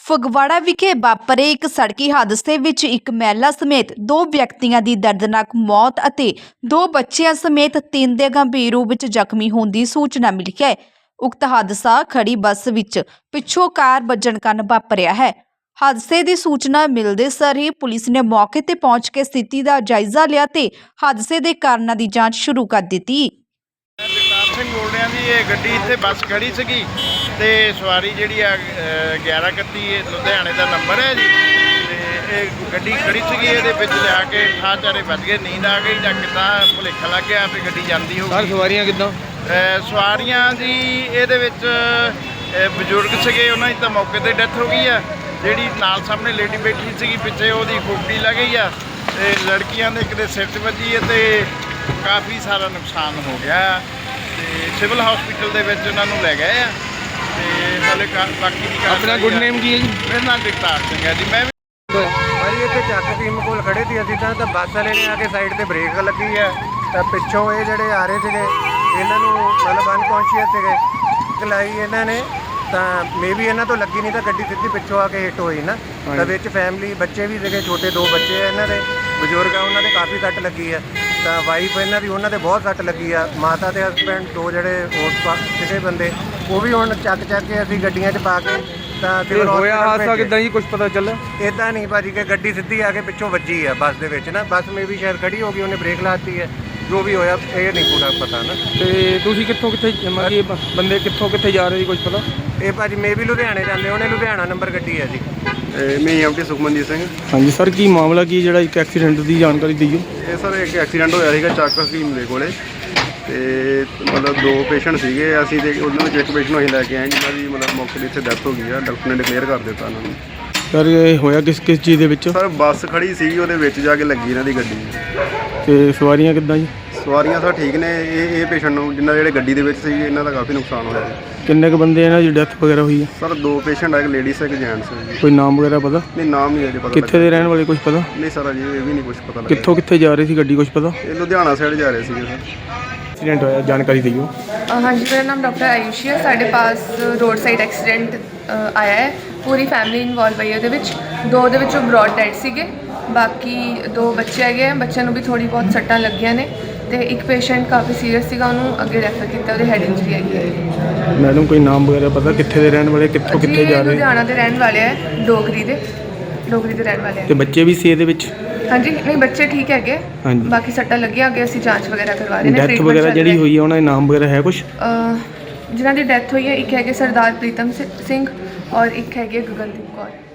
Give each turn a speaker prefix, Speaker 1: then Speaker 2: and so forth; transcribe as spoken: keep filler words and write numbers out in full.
Speaker 1: ਫਗਵਾੜਾ ਵਿਖੇ ਵਾਪਰੇ ਇੱਕ ਸੜਕੀ ਹਾਦਸੇ ਵਿੱਚ ਇੱਕ ਮਹਿਲਾ ਸਮੇਤ ਦੋ ਵਿਅਕਤੀਆਂ ਦੀ ਦਰਦਨਾਕ ਮੌਤ ਅਤੇ ਦੋ ਬੱਚਿਆਂ ਸਮੇਤ ਤਿੰਨ ਦੇ ਗੰਭੀਰ ਰੂਪ ਵਿੱਚ ਜ਼ਖਮੀ ਹੋਣ ਦੀ ਸੂਚਨਾ ਮਿਲੀ ਹੈ। ਉਕਤ ਹਾਦਸਾ ਖੜੀ ਬੱਸ ਵਿੱਚ ਪਿੱਛੋਂ ਕਾਰ ਵੱਜਣ ਕਾਰਨ ਵਾਪਰਿਆ ਹੈ। ਹਾਦਸੇ ਦੀ ਸੂਚਨਾ ਮਿਲਦੇ ਸਾਰ ਹੀ ਪੁਲਿਸ ਨੇ ਮੌਕੇ ਤੇ ਪਹੁੰਚ ਕੇ ਸਥਿਤੀ ਦਾ ਜਾਇਜ਼ਾ ਲਿਆ ਤੇ ਹਾਦਸੇ ਦੇ ਕਾਰਨਾਂ ਦੀ ਜਾਂਚ ਸ਼ੁਰੂ ਕਰ ਦਿੱਤੀ।
Speaker 2: ਜਗਤਾਰ ਸਿੰਘ ਬੋਲ ਰਿਹਾ ਜੀ। ਇਹ ਗੱਡੀ ਇੱਥੇ ਬੱਸ ਖੜੀ ਸੀਗੀ ਤੇ ਸਵਾਰੀ ਜਿਹੜੀ ਆ ਗਿਆਰਾਂ ਇਕੱਤੀ ਲੁਧਿਆਣੇ ਦਾ ਨੰਬਰ ਹੈ ਜੀ। ਤੇ ਇਹ ਗੱਡੀ ਖੜੀ ਸੀਗੀ, ਇਹਦੇ ਵਿੱਚ ਲਿਆ ਕੇ ਠਾਹ ਚਾਰੇ ਵੱਜ ਗਏ। ਨੀਂਦ ਆ ਗਈ ਜਾਂ ਕਿੱਦਾਂ ਭੁਲੇਖਾ ਲੱਗ ਗਿਆ ਵੀ ਗੱਡੀ ਜਾਂਦੀ ਹੋਊਗੀ।
Speaker 3: ਸਰ ਸਵਾਰੀਆਂ ਕਿੱਦਾਂ?
Speaker 2: ਸਵਾਰੀਆਂ ਜੀ ਇਹਦੇ ਵਿੱਚ ਬਜ਼ੁਰਗ ਸੀਗੇ, ਉਹਨਾਂ ਦੀ ਤਾਂ ਮੌਕੇ ਤੇ ਡੈਥ ਹੋ ਗਈ ਆ। ਜਿਹੜੀ ਨਾਲ ਸਾਹਮਣੇ ਲੇਡੀ ਬੈਠੀ ਸੀਗੀ ਪਿੱਛੇ, ਉਹਦੀ ਖੋਪੜੀ ਲੱਗ ਗਈ ਆ। ਤੇ ਲੜਕੀਆਂ ਦੇ ਇੱਕ ਦੇ ਸਿਰ 'ਚ ਵੱਜੀ ਹੈ ਤੇ ਕਾਫੀ ਸਾਰਾ ਨੁਕਸਾਨ ਹੋ ਗਿਆ ਤੇ ਸਿਵਲ ਹਸਪੀਟਲ ਦੇ ਵਿੱਚ ਉਹਨਾਂ ਨੂੰ ਲੈ ਗਏ ਆ। ਤੇ ਹਾਲੇ ਬਾਕੀ ਦੀ
Speaker 3: ਆਪਣਾ ਗੁੱਡ ਨੇਮ ਕੀ ਹੈ ਜੀ?
Speaker 2: ਮੇਰੇ ਨਾਲ ਜਗਤਾਰ ਸਿੰਘ ਹੈ ਜੀ। ਮੈਂ ਵੀ
Speaker 4: ਭਾਜੀ ਇੱਥੇ ਚੱਕ ਟੀਮ ਕੋਲ ਖੜੇ ਸੀ ਅਸੀਂ ਤਾਂ ਤਾਂ ਬੱਸ ਵਾਲੇ ਨੇ ਆ ਕੇ ਸਾਈਡ ਤੇ ਬ੍ਰੇਕ ਲੱਗੀ ਹੈ ਤਾਂ ਪਿੱਛੋਂ ਇਹ ਜਿਹੜੇ ਆ ਰਹੇ ਸੀਗੇ ਇਹਨਾਂ ਨੂੰ ਮਤਲਬ ਅਨਕੌਂਸ਼ੀਅਸ ਸੀਗੇ, ਚਲਾਈ ਇਹਨਾਂ ਨੇ ਤਾਂ ਮੇ ਵੀ ਇਹਨਾਂ ਤੋਂ ਲੱਗੀ ਨਹੀਂ ਤਾਂ ਗੱਡੀ ਸਿੱਧੀ ਪਿੱਛੋਂ ਆ ਕੇ ਹਿੱਟ ਹੋਈ ਨਾ। ਤਾਂ ਵਿੱਚ ਫੈਮਿਲੀ ਬੱਚੇ ਵੀ ਸੀਗੇ, ਛੋਟੇ ਦੋ ਬੱਚੇ ਆ ਇਹਨਾਂ ਦੇ, ਬਜ਼ੁਰਗ ਆ ਉਹਨਾਂ ਦੇ ਕਾਫੀ ਸੱਟ ਲੱਗੀ ਆ। ਤਾਂ ਵਾਈਫ ਇਹਨਾਂ ਦੀ ਉਹਨਾਂ ਦੇ ਬਹੁਤ ਸੱਟ ਲੱਗੀ ਆ। ਮਾਤਾ ਤੇ ਹਸਬੈਂਡ ਦੋ ਜਿਹੜੇ ਹੋਰ ਸੀਗੇ ਬੰਦੇ, ਉਹ ਵੀ ਹੁਣ ਚੱਕ ਚੱਕ ਕੇ ਅਸੀਂ ਗੱਡੀਆਂ 'ਚ ਪਾ ਕੇ ਤਾਂ
Speaker 3: ਤੇ ਹੋਇਆ ਹਾਦਸਾ ਕਿੱਦਾਂ ਜੀ, ਕੁਝ ਪਤਾ ਚੱਲਿਆ?
Speaker 4: ਇੱਦਾਂ ਨਹੀਂ ਭਾਜੀ ਕਿ ਗੱਡੀ ਸਿੱਧੀ ਆ ਕੇ ਪਿੱਛੋਂ ਵੱਜੀ ਆ ਬੱਸ ਦੇ ਵਿੱਚ ਨਾ। ਬੱਸ ਮੇ ਵੀ ਸ਼ਾਇਦ ਖੜੀ ਹੋ ਗਈ, ਉਹਨੇ ਬ੍ਰੇਕ ਲਾਤੀ ਹੈ। ਜੋ ਵੀ ਹੋਇਆ ਇਹ ਨਹੀਂ ਪੂਰਾ ਪਤਾ ਨਾ।
Speaker 3: ਤੇ ਤੁਸੀਂ ਕਿੱਥੋਂ ਕਿੱਥੇ ਮਤਲਬ ਬੰਦੇ ਕਿੱਥੋਂ ਕਿੱਥੇ ਜਾ ਰਹੇ ਸੀ, ਕੁਝ ਪਤਾ?
Speaker 4: ਇਹ ਭਾਜੀ ਮੇ ਵੀ ਲੁਧਿਆਣੇ ਜਾਂਦੇ, ਉਹਨੇ ਲੁਧਿਆਣਾ ਨੰਬਰ ਗੱਡੀ ਹੈ ਜੀ।
Speaker 5: ਮੈਂ ਐਮਟੀ ਸੁਖਮਨਜੀਤ ਸਿੰਘ।
Speaker 3: ਹਾਂਜੀ ਸਰ, ਕੀ ਮਾਮਲਾ ਕੀ ਜਿਹੜਾ ਇੱਕ ਐਕਸੀਡੈਂਟ ਦੀ ਜਾਣਕਾਰੀ ਦਿਓ?
Speaker 5: ਇਹ ਸਰ ਇੱਕ ਐਕਸੀਡੈਂਟ ਹੋਇਆ ਸੀਗਾ ਚੱਕ ਹਕੀਮ ਦੇ ਕੋਲੇ ਤੇ ਮਤਲਬ ਦੋ ਪੇਸ਼ੈਂਟ ਸੀਗੇ ਅਸੀਂ ਤੇ ਉਹਨਾਂ ਵਿੱਚ ਇੱਕ ਪੇਸ਼ੈਂਟ ਨੂੰ ਅਸੀਂ ਲੈ ਕੇ ਆਏ ਜਿਨ੍ਹਾਂ ਦੀ ਮਤਲਬ ਮੌਕੇ 'ਤੇ ਇੱਥੇ ਡੈਥ ਹੋ ਗਈ ਆ। ਡਾਕਟਰ ਨੇ ਡਿਕਲੇਅਰ ਕਰ ਦਿੱਤਾ ਉਹਨਾਂ ਨੂੰ।
Speaker 3: ਸਰ ਇਹ ਹੋਇਆ ਕਿਸ ਕਿਸ ਚੀਜ਼ ਦੇ ਵਿੱਚ?
Speaker 5: ਸਰ ਬੱਸ ਖੜੀ ਸੀਗੀ, ਉਹਦੇ ਵਿੱਚ ਜਾ ਕੇ ਲੱਗੀ ਇਹਨਾਂ ਦੀ ਗੱਡੀ।
Speaker 3: ਤੇ ਸਵਾਰੀਆਂ ਕਿੱਦਾਂ ਜੀ?
Speaker 5: ਸਵਾਰੀਆਂ ਸਰ ਠੀਕ ਨੇ। ਇਹ ਇਹ ਪੇਸ਼ੈਂਟ ਨੂੰ ਜਿਨ੍ਹਾਂ ਜਿਹੜੇ ਗੱਡੀ ਦੇ ਵਿੱਚ ਸੀ ਇਹਨਾਂ ਦਾ ਕਾਫੀ ਨੁਕਸਾਨ ਹੋਇਆ ਜੀ।
Speaker 3: ਕਿੰਨੇ ਕੁ ਬੰਦੇ ਇਹਨਾਂ ਦੀ ਡੈਥ ਵਗੈਰਾ ਹੋਈ ਹੈ?
Speaker 5: ਸਰ ਦੋ ਪੇਸ਼ੈਂਟ ਆ, ਇੱਕ ਲੇਡੀਜ਼ ਇੱਕ ਜੈਂਟਸ ਜੀ।
Speaker 3: ਕੋਈ ਨਾਮ ਵਗੈਰਾ ਪਤਾ?
Speaker 5: ਨਹੀਂ ਨਾਮ ਨਹੀਂ ਅਜੇ ਪਤਾ।
Speaker 3: ਕਿੱਥੇ ਦੇ ਰਹਿਣ ਵਾਲੇ ਕੁਝ ਪਤਾ?
Speaker 5: ਨਹੀਂ ਸਰ ਅਜੇ ਇਹ ਵੀ ਨਹੀਂ ਕੁਝ ਪਤਾ ਲੱਗਿਆ।
Speaker 3: ਕਿੱਥੋਂ ਕਿੱਥੇ ਜਾ ਰਹੀ ਸੀ ਗੱਡੀ, ਕੁਝ ਪਤਾ?
Speaker 5: ਇਹ ਲੁਧਿਆਣਾ ਸਾਈਡ ਜਾ ਰਹੇ ਸੀਗੇ ਸਰ।
Speaker 3: ਐਕਸੀਡੈਂਟ ਹੋਇਆ, ਜਾਣਕਾਰੀ ਦਿਓ।
Speaker 6: हाँ जी, मेरा नाम डॉक्टर आयुषी है। साढ़े पास रोड साइड एक्सीडेंट आया है, पूरी फैमिली इन्वॉल्व है ਉਹਦੇ ਵਿੱਚ। ਦੋ ਦੇ ਵਿੱਚੋਂ ਬ੍ਰੌਡ ਡੈਡ ਸੀਗੇ, ਬਾਕੀ ਦੋ ਬੱਚੇ ਹੈਗੇ ਆ। ਬੱਚਿਆਂ ਨੂੰ ਵੀ ਥੋੜੀ ਬਹੁਤ ਸੱਟਾਂ ਲੱਗੀਆਂ ਨੇ ਤੇ ਇੱਕ ਪੇਸ਼ੈਂਟ ਕਾਫੀ ਸੀਰੀਅਸ ਸੀਗਾ, ਉਹਨੂੰ ਅੱਗੇ ਰੈਫਰ ਕੀਤਾ, ਉਹਦੇ ਹੈਡ ਇੰਜਰੀ ਹੈਗੀ ਹੈ।
Speaker 3: ਮੈਡਮ ਕੋਈ ਨਾਮ ਵਗੈਰਾ ਪਤਾ ਕਿੱਥੇ ਦੇ ਰਹਿਣ ਵਾਲੇ, ਕਿੱਥੋਂ ਕਿੱਥੇ ਜਾ ਰਹੇ?
Speaker 6: ਲੁਧਿਆਣਾ ਦੇ ਰਹਿਣ ਵਾਲੇ ਆ, ਡੋਗਰੀ ਦੇ ਡੋਗਰੀ ਦੇ ਰਹਿਣ ਵਾਲੇ ਆ।
Speaker 3: ਤੇ ਬੱਚੇ ਵੀ ਸੀ ਇਹਦੇ ਵਿੱਚ?
Speaker 6: ਹਾਂਜੀ ਨਹੀਂ, ਬੱਚੇ ਠੀਕ ਹੈਗੇ,
Speaker 3: ਹਾਂਜੀ।
Speaker 6: ਬਾਕੀ ਸੱਟਾਂ ਲੱਗੀਆਂ, ਅੱਗੇ ਅਸੀਂ ਜਾਂਚ ਵਗੈਰਾ ਕਰਵਾ ਰਹੇ ਨੇ।
Speaker 3: ਡੈਥ ਵਗੈਰਾ ਜਿਹੜੀ ਹੋਈ ਹੈ ਉਹਨਾਂ ਦੇ ਨਾਮ ਵਗੈਰਾ ਹੈ ਕੁਝ?
Speaker 6: ਜਿਨ੍ਹਾਂ ਦੀ ਡੈਥ ਹੋਈ ਹੈ, ਇੱਕ ਹੈਗੇ ਸਰਦਾਰ ਪ੍ਰੀਤਮ ਸਿੰਘ ਔਰ ਇੱਕ ਹੈਗੇ ਗਗਨਦੀਪ ਕੌਰ।